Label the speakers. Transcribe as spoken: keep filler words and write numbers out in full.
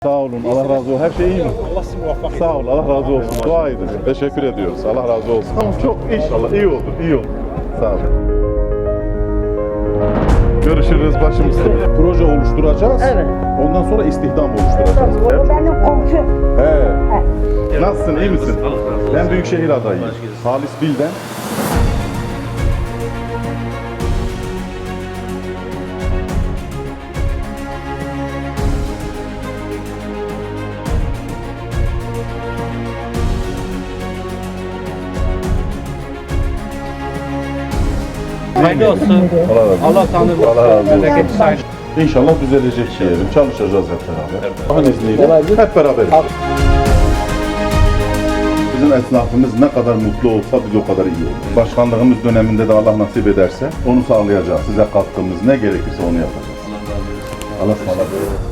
Speaker 1: Sağ olun, Allah razı olsun. Her şey iyi mi?
Speaker 2: Allah sizi muvaffak etsin.
Speaker 1: Sağ ol, Allah razı olsun. Dua edin. Teşekkür ediyoruz. Allah razı olsun. Tamam, çok inşallah iyi olur, iyi olur. Sağ olun. Görüşürüz başımız. Proje oluşturacağız.
Speaker 3: Evet.
Speaker 1: Ondan sonra istihdam oluşturacağız.
Speaker 3: O benim komşum.
Speaker 1: He. Nasılsın, iyi misin? Ben Büyükşehir adayıyım. Halis Bilden.
Speaker 2: Hayırlı olsun.
Speaker 1: Allah razı olsun.
Speaker 2: Allah tanrı
Speaker 1: Allah razı olsun.
Speaker 2: bereketi sayın.
Speaker 1: İnşallah düzelecek diyelim. Çalışacağız hep beraber. Allah'ın izniyle hep beraber. Bizim esnafımız ne kadar mutlu olsa biz o kadar iyi olur. Başkanlığımız döneminde de Allah nasip ederse onu sağlayacağız. Size katkımız ne gerekirse onu yapacağız. Allah razı olsun. Allah ısmarladık.